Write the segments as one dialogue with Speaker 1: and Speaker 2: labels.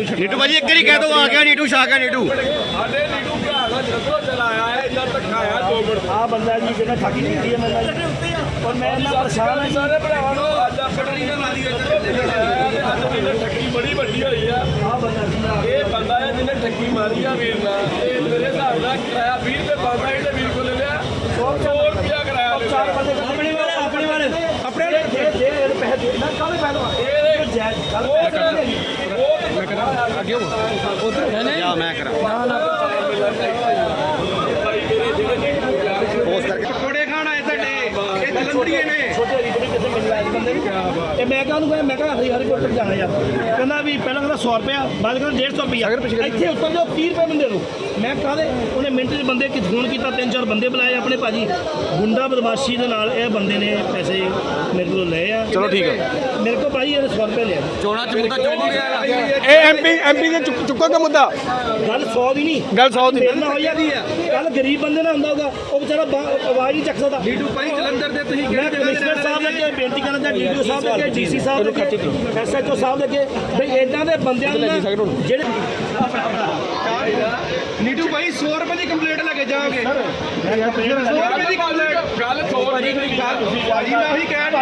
Speaker 1: नीटू भाजी एक बारी कह दो आ गया नीटू शाह का नीटू
Speaker 2: आ बंदा जी जिन्हें ठगी की है मैंने और मैं इतना परेशान है सारे भरावां नूं अज ठगी बड़ी वड्डी होई है आ बंदा ये बंदा है जिन्हें ठगी मारी है वीर ना ये मेरे हिसाब नाल किराया 20 रुपए बनदा है ते वीर को ले लिया 100 रुपया किराया चार बंदे अपने वाले जे पैसे देना काले पैसे ये जायज गल मैं करा आगे उधर है ना
Speaker 1: मैं करा पकोड़े खाण आए ਤੁਹਾਡੇ ਇਹ ਜਲੰਧਰੀਏ ਨੇ
Speaker 2: ਛੋਟੇ ਰੀਤ ਵੀ ਕਿਸੇ ਮਿਲ ਆਏ ਬੰਦੇ ਨੂੰ ਤੇ ਮੈਂ ਕਹਾਂ ਮੈਂ ਕਿਹਾ ਹਰੀਪੁਰ ਤੱਕ ਜਾਣਾ ਯਾਰ ਕਹਿੰਦਾ ਵੀ ਪਹਿਲਾਂ ਕਹਿੰਦਾ 100 ਰੁਪਇਆ ਬਾਅਦ ਕਹਿੰਦਾ 150 ਰੁਪਇਆ ਇੱਥੇ ਉੱਤਰ ਜਾਓ 30 ਰੁਪਏ ਬੰਦੇ ਨੂੰ ਮੈਂ ਕਾਹਦੇ ਉਹਨੇ ਮਿੰਟ 'ਚ ਬੰਦੇ ਕਿ ਫੋਨ ਕੀਤਾ 3-4 ਬੰਦੇ ਬੁਲਾਏ ਆਪਣੇ ਭਾਜੀ ਗੁੰਡਾ ਬਦਮਾਸ਼ੀ ਦੇ ਨਾਲ ਇਹ ਬੰਦੇ ਨੇ ਪੈਸੇ ਮੇਰੇ ਕੋਲੋਂ ਲਏ ਆ
Speaker 1: ਚਲੋ ਠੀਕ ਹੈ
Speaker 2: ਮੇਰੇ ਕੋਲ ਭਾਜੀ ਇਹਨੇ 100 ਰੁਪਏ ਲਿਆ
Speaker 1: ਚੋਣਾ ਚ ਮੁੱਦਾ ਚੁੱਕ ਗਿਆ ਇਹ ਐਮਪੀ ਦੇ ਚੁੱਕੋਗੇ ਮੁੱਦਾ
Speaker 2: ਗੱਲ 100 ਦੀ ਨਹੀਂ
Speaker 1: ਗੱਲ 100 ਦੀ
Speaker 2: ਮੇਰੇ ਨਾਲ ਹੋਈ ਆ ਕੱਲ ਗਰੀਬ ਬੰਦੇ ਨਾਲ ਹੁੰਦਾ ਹੋਗਾ ਉਹ ਵਿਚਾਰਾ ਆਵਾਜ਼ ਨਹੀਂ ਚੱਕ ਸਕਦਾ
Speaker 1: ਨੀਟੂ ਭਾਈ ਜਲੰਧਰ ਦੇ ਤੁਸੀਂ
Speaker 2: ਮੈਂ ਕਮਿਸ਼ਨਰ ਸਾਹਿਬ ਦੇ ਅੱਗੇ ਬੇਨਤੀ ਕਰਨਾ ਚਾਹੁੰਦਾ ਡੀਡੀਓ ਸਾਹਿਬ ਦੇ ਅੱਗੇ ਡੀਸੀ ਸਾਹਿਬ ਦੇ ਅੱਗੇ ਐਸਐਚਓ ਸਾਹਿਬ ਦੇ ਅੱਗੇ ਬਈ ਇਦਾਂ ਦੇ ਬੰਦਿਆਂ ਨੂੰ ਜਿਹੜੇ
Speaker 1: ਨੀਟੂ ਭਾਈ 100 ਰੁਪਏ ਦੀ ਕੰਪਲੀਟ ਲੈ ਕੇ ਜਾਓਗੇ 100 ਰੁਪਏ ਦੀ ਕੰਪਲੀਟ ਗੱਲ 100 ਰੁਪਏ ਦੀ ਗੱਲ ਭਾਜੀ ਮੈਂ ਉਹੀ ਕਹਿ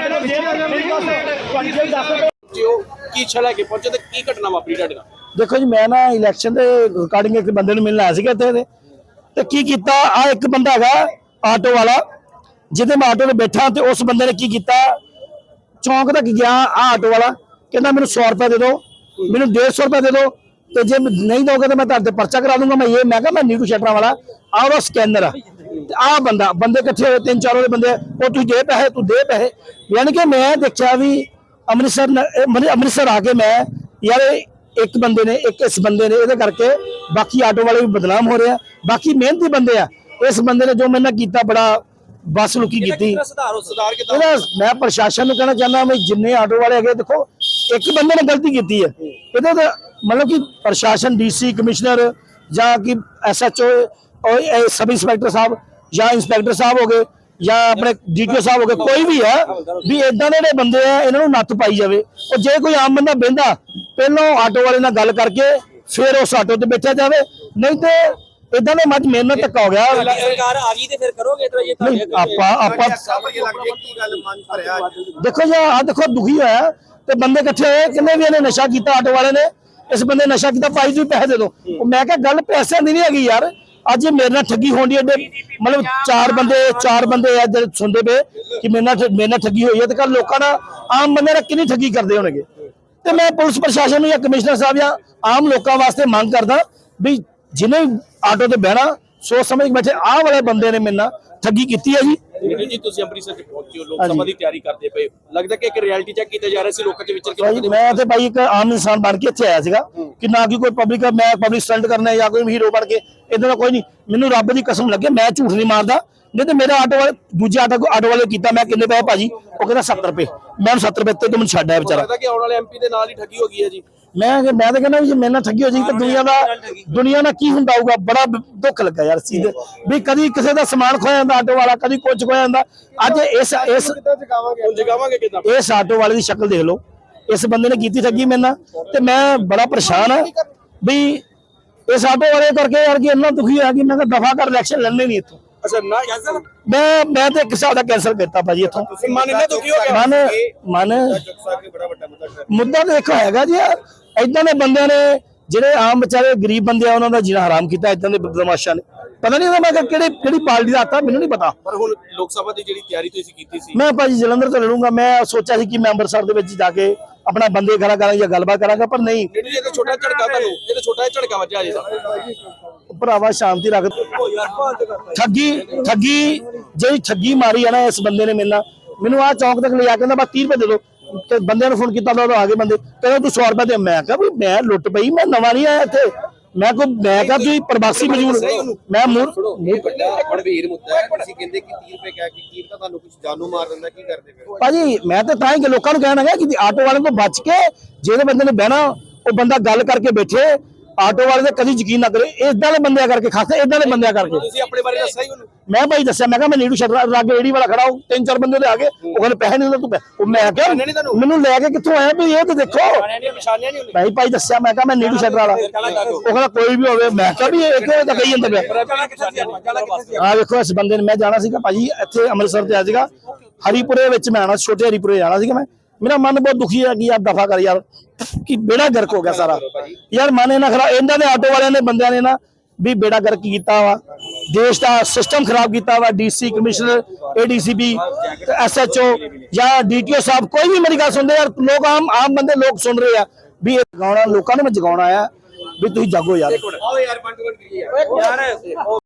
Speaker 1: ਰਿਹਾ
Speaker 3: ਕੀ ਇੱਛਾ ਲੈ ਕੇ ਪਹੁੰਚੇ ਤੇ ਕੀ ਘਟਨਾ ਵਾਪਰੀ ਤੁਹਾਡੇ ਨਾਲ?
Speaker 2: ਦੇਖੋ ਜੀ ਮੈਂ ਨਾ ਇਲੈਕਸ਼ਨ ਦੇ ਰਿਕਾਰਡਿੰਗ ਇੱਕ ਬੰਦੇ ਨੂੰ ਮਿਲਣ ਆਇਆ ਸੀਗਾ ਇੱਥੇ ਤੇ ਕੀ ਕੀਤਾ ਆ ਇੱਕ ਬੰਦਾ ਹੈਗਾ ਆਟੋ ਵਾਲਾ ਜਿਹਦੇ ਮੈਂ ਆਟੋ ਤੇ ਬੈਠਾ ਤੇ ਉਸ ਬੰਦੇ ਨੇ ਕੀ ਕੀਤਾ ਚੌਂਕ ਤੱਕ ਗਿਆ ਆ ਆਟੋ ਵਾਲਾ ਕਹਿੰਦਾ ਮੈਨੂੰ 100 ਰੁਪਏ ਦੇ ਦਿਓ ਮੈਨੂੰ 150 ਰੁਪਏ ਦੇ ਦਿਓ ਤੇ ਜੇ ਨਹੀਂ ਦੋਗੇ ਤਾਂ ਮੈਂ ਤੁਹਾਡੇ ਤੇ ਪਰਚਾ ਕਰਾ ਦੂੰਗਾ ਮੈਂ ਕਿਹਾ ਮੈਂ ਨੀਟੂ ਸ਼ਟਰਾਂ ਵਾਲਾ ਆ ਉਹਦਾ ਸਕੈਨਰ ਆ ਤੇ ਆ ਬੰਦੇ ਇਕੱਠੇ ਹੋਏ 3-4 ਉਹਦੇ ਬੰਦੇ ਉਹ ਤੂੰ ਦੇ ਪੈਸੇ ਯਾਨੀ ਕਿ ਮੈਂ ਦੇਖਿਆ ਵੀ ਅੰਮ੍ਰਿਤਸਰ ਆ ਕੇ ਮੈਂ ਯਾਰ ਇੱਕ ਬੰਦੇ ਨੇ ਇਸ ਬੰਦੇ ਨੇ ਇਹਦੇ ਕਰਕੇ ਬਾਕੀ ਆਟੋ ਵਾਲੇ ਵੀ ਬਦਨਾਮ ਹੋ ਰਹੇ ਆ ਬਾਕੀ ਮਿਹਨਤੀ ਬੰਦੇ ਆ ਇਸ ਬੰਦੇ ਨੇ ਜੋ ਮੇਰੇ ਨਾਲ ਕੀਤਾ ਬੜਾ ਬਸ ਲੁਕੀ ਕੀਤੀ ਇਹਦਾ ਮੈਂ ਪ੍ਰਸ਼ਾਸਨ ਨੂੰ ਕਹਿਣਾ ਚਾਹੁੰਦਾ ਮੈਂ ਜਿੰਨੇ ਆਟੋ ਵਾਲੇ ਹੈਗੇ ਦੇਖੋ ਇੱਕ ਬੰਦੇ ਨੇ ਗਲਤੀ ਕੀਤੀ ਹੈ ਇਹਦੇ ਤਾਂ मतलब कि प्रशासन डीसी कमिश्नर या कि SHO और सब इंस्पैक्टर साहब या इंस्पैक्टर साहब हो गए या अपने DTO साहब हो गए कोई भी है भी इदा के बंदे है इन्हों नत्थ पाई जाए और जे कोई आम बंदा बहता पहलों आटो वाले नाल गल करके फिर उस आटो ते बैठा जाए नहीं तो इदा ने मत मेरे नाल धक्का हो गया देखो जी आ देखो दुखी होया ते बंदे इकट्ठे होए किन्ने भी इन्हें नशा किया आटो वाले ने इस बंदे नशा किया भाई जी पैसे दे दो मैं क्या गल पैसे की नहीं हैगी यार अज मेरे नाल ठगी होनी है मतलब चार बंदे है सुनते पे कि मेरे नाल ठगी हुई है तो कल लोगों ना आम बंदे ना कितनी ठगी करते होंगे तो मैं पुलिस प्रशासन या कमिश्नर साहब या आम लोगों वास्ते मांग करदा भी जिन्हें आटो ते बहना सोच समझ के बैठे आ वाले बंदे ने मेरे नाल ठगी की है जी
Speaker 3: ਜੀ ਤੁਸੀਂ ਅੰਮ੍ਰਿਤਸਰ ਚ ਪਹੁੰਚੇ ਹੋ ਲੋਕ ਸਭਾ ਦੀ ਤਿਆਰੀ ਕਰਦੇ ਪਏ ਲੱਗਦਾ ਕਿ ਇੱਕ ਰਿਐਲਿਟੀ ਚੈੱਕ ਕੀਤਾ ਜਾ ਰਿਹਾ ਸੀ ਲੋਕਾਂ ਦੇ ਵਿਚਰ ਕੇ
Speaker 2: ਮੈਂ ਤੇ ਭਾਈ ਇੱਕ ਆਮ ਇਨਸਾਨ ਬਣ ਕੇ ਇੱਥੇ ਆਇਆ ਸੀਗਾ ਕਿ ਨਾ ਕਿ ਕੋਈ ਪਬਲਿਕ ਮੈਂ ਪਬਲਿਕ ਸਟੰਟ ਕਰਨਾ ਜਾਂ ਕੋਈ ਹੀਰੋ ਬਣ ਕੇ ਇਦਾਂ ਦਾ ਕੋਈ ਨਹੀਂ ਮੈਨੂੰ ਰੱਬ ਦੀ ਕਸਮ ਲੱਗੇ ਮੈਂ ਝੂਠ ਨਹੀਂ ਮਾਰਦਾ ਨਹੀਂ ਤੇ ਮੇਰਾ ਆਟੋ ਵਾਲੇ ਦੂਜੇ ਆਟੋ ਵਾਲੇ ਕੀਤਾ ਮੈਂ ਕਿੰਨੇ ਪੈਸੇ ਭਾਜੀ ਉਹ ਕਹਿੰਦਾ 70 ਰੁਪਏ ਮੈਂ 70 ਰੁਪਏ ਤੇ ਮੈਨੂੰ ਛੱਡ ਆਇਆ ਵਿਚਾਰਾ
Speaker 3: ਲੱਗਦਾ ਕਿ ਆਉਣ ਵਾਲੇ MP ਦੇ ਨਾਲ ਹੀ ਠੱਗੀ ਹੋ ਗਈ ਹੈ ਜੀ
Speaker 2: मैं तो कहना भी मेरे नाल ठगी हो जाएगी तो दुनिया ना की हुंदा होगा बड़ा दुख लगा यार सीधे भी कभी किसी का समान खोया जाता आटो वाला कभी कुछ खोया जाता अज इस आटो वाले की शक्ल देख लो इस बंदे ने की ठगी मेरे नाल ते मैं बड़ा परेशान है भी इस आटो वाले करके यार कि इन्ना दुखी है कि मैं दफा कर इलेक्शन लड़ने नहीं इत्थों
Speaker 3: अच्छा ना कैंसिल
Speaker 2: मैं तो एक हिसाब का कैंसिल करता भाजी इत्थों
Speaker 3: मन इन्ना दुखी हो गया
Speaker 2: मन मुद्दा तो देखो हैगा जी इदां दे बंदे ने ਜਿਹੜੇ ਆਮ ਵਿਚਾਰੇ ਗਰੀਬ ਬੰਦੇ ਆ ਉਹਨਾਂ ਦਾ ਜੀਣਾ ਹਰਾਮ ਕੀਤਾ ਇਦਾਂ ਦੇ ਬਦਮਾਸ਼ਾਂ ਨੇ ਪਤਾ ਨਹੀਂ ਮੈਂ ਕਿਹੜੀ ਪਾਰਟੀ ਦਾ ਆਤਾ ਮੈਨੂੰ ਨਹੀਂ ਪਤਾ
Speaker 3: ਪਰ ਹੁਣ ਲੋਕ ਸਭਾ ਦੀ ਜਿਹੜੀ ਤਿਆਰੀ ਤੁਸੀਂ ਕੀਤੀ ਸੀ
Speaker 2: ਮੈਂ ਭਾਜੀ ਜਲੰਧਰ ਤੋਂ ਲੜੂੰਗਾ ਮੈਂ ਸੋਚਿਆ ਸੀ ਕਿ ਮੈਂ ਅੰਮ੍ਰਿਤਸਰ ਦੇ ਵਿੱਚ ਜਾ ਕੇ ਆਪਣਾ ਬੰਦੇ ਖੜਾ ਕਰਾਂਗਾ ਜਾਂ ਗੱਲਬਾਤ ਕਰਾਂਗਾ ਪਰ ਨਹੀਂ
Speaker 3: ਇਹ ਤਾਂ ਛੋਟਾ ਝੜਕਾ ਤੁਹਾਨੂੰ ਇਹ ਤਾਂ ਛੋਟਾ ਝੜਕਾ ਵੱਜਿਆ ਜੀ
Speaker 2: ਭਰਾਵਾ ਸ਼ਾਂਤੀ ਰੱਖ ਠੱਗੀ ਜਿਹੜੀ ਠੱਗੀ ਮਾਰੀ ਆ ਨਾ ਇਸ ਬੰਦੇ ਨੇ ਮੈਨੂੰ ਆ ਚੌਂਕ ਤੱਕ ਲਿਆ ਕਹਿੰਦਾ ਬਸ 30 ਰੁਪਏ ਦੇ ਦਿਓ ਤੇ ਬੰਦੇ ਨੂੰ ਫੋਨ ਕੀਤਾ ਤਾਂ ਆ ਗਏ ਬੰਦੇ ਕਹਿੰਦੇ ਤੂੰ 100 ਰੁਪਏ ਦੇ ਮੈਂ ਕਿਹਾ ਵੀ ਮੈਂ ਲੁੱਟ ਪਈ ਮੈਂ ਨਵਾਂ ਨਹੀਂ ਆਇਆ ਇੱਥੇ ਮੈਂ ਕਿਹਾ ਤੁਸੀਂ ਪ੍ਰਵਾਸੀ ਮਜ਼ਦੂਰ ਮੈਂ
Speaker 3: ਗੰਭੀਰ ਮੁੱਦਾ ਹੈ ਤੁਸੀਂ ਕਹਿੰਦੇ ਕਿ 30 ਰੁਪਏ ਕਹਿ ਕੇ ਕੀ ਪਤਾ ਤੁਹਾਨੂੰ ਕੁਝ ਜਾਨੂ ਮਾਰ ਦਿੰਦਾ ਕੀ ਕਰਦੇ ਫਿਰ
Speaker 2: ਭਾਜੀ ਮੈਂ ਤਾਂ ਹੀ ਕਿ ਲੋਕਾਂ ਨੂੰ ਕਹਿਣਾ ਹੈ ਕਿ ਆਟੋ ਵਾਲਿਆਂ ਤੋਂ ਬਚ ਕੇ ਜਿਹੜੇ ਬੰਦੇ ਨੇ ਬਹਿਣਾ ਉਹ ਬੰਦਾ ਗੱਲ ਕਰਕੇ ਬੈਠੇ ਆਟੋ ਵਾਲੇ ਤੇ ਕਦੀ ਯਕੀਨ ਨਾ ਕਰੇ, ਇਦਾਂ ਦੇ ਬੰਦਿਆਂ ਕਰਕੇ, ਖਾਸ ਇਦਾਂ ਦੇ ਬੰਦਿਆਂ ਕਰਕੇ।
Speaker 3: ਤੁਸੀਂ ਆਪਣੇ ਬਾਰੇ ਦੱਸਿਆ ਹੀ ਉਹਨੂੰ?
Speaker 2: ਮੈਂ ਭਾਈ ਦੱਸਿਆ, ਮੈਂ ਕਿਹਾ ਮੈਂ ਨੀਡੂ ਸ਼ਟਰ ਲਾਗੇ ਰੇੜੀ ਵਾਲਾ ਖੜਾ, ਉਹ 3-4 ਬੰਦੇ ਉਹਦੇ ਆ ਗਏ, ਉਹ ਕਹਿੰਦੇ ਪੈਸੇ ਨਹੀਂ ਦਿੰਦਾ ਤੂੰ। ਉਹ ਮੈਂ ਕਿਹਾ ਮੈਨੂੰ ਲੈ ਕੇ ਕਿੱਥੋਂ ਆਇਆ ਵੀ ਇਹ ਤਾਂ ਦੇਖੋ ਭਾਈ ਦੱਸਿਆ, ਮੈਂ ਕਿਹਾ ਮੈਂ ਨੀਡੂ ਸ਼ਟਰ ਵਾਲਾ। ਉਹ ਕਹਿੰਦਾ ਕੋਈ ਵੀ ਹੋਵੇ। ਮੈਂ ਕਿਹਾ ਵੀ ਇਹ ਕਿਉਂ ਤਾਂ ਕਹੀ ਜਾਂਦਾ ਪਿਆ। ਆ ਵੇਖੋ ਇਸ ਬੰਦੇ ਨੇ, ਮੈਂ ਜਾਣਾ ਸੀਗਾ ਭਾਜੀ ਇੱਥੇ ਅੰਮ੍ਰਿਤਸਰ ਤੇ ਆ ਸੀਗਾ, ਹਰੀਪੁਰੇ ਵਿੱਚ ਮੈਂ ਆਣਾ, ਛੋਟੇ ਹਰੀਪੁਰੇ ਜਾਣਾ ਸੀਗਾ ਮੈਂ। ਮੇਰਾ ਮਨ ਬਹੁਤ ਦੁਖੀ ਹੈ ਕਿ ਯਾਰ ਦਫਾ ਕਰ ਯਾਰ, ਕਿ ਬੇੜਾ ਗਰਕ ਹੋ ਗਿਆ ਸਾਰਾ ਯਾਰ। ਮਨ ਇਹਨਾਂ ਖਰਾਬ, ਇਹਨਾਂ ਦੇ ਆਟੋ ਵਾਲਿਆਂ ਨੇ ਬੰਦਿਆਂ ਨੇ ਨਾ ਵੀ ਬੇੜਾ ਗਰਕ ਕੀਤਾ ਵਾ, ਦੇਸ਼ ਦਾ ਸਿਸਟਮ ਖਰਾਬ ਕੀਤਾ ਵਾ। ਡੀਸੀ ਕਮਿਸ਼ਨਰ, ਏਡੀਸੀਪੀ, ਐਸਐਚਓ ਜਾਂ ਡੀਟੀਓ ਸਾਹਿਬ, ਕੋਈ ਵੀ ਮੇਰੀ ਗੱਲ ਸੁਣਦੇ ਯਾਰ। ਲੋਕ ਆਮ ਬੰਦੇ ਲੋਕ ਸੁਣ ਰਹੇ ਆ ਵੀ ਇਹ ਜਗਾਉਣਾ, ਲੋਕਾਂ ਨੇ ਮੈਂ ਜਗਾਉਣਾ ਆ ਵੀ ਤੁਸੀਂ ਜਾਗੋ ਯਾਰ।
Speaker 3: ਆਓ ਯਾਰ 5 ਮਿੰਟ ਕਰੀਏ ਯਾਰ।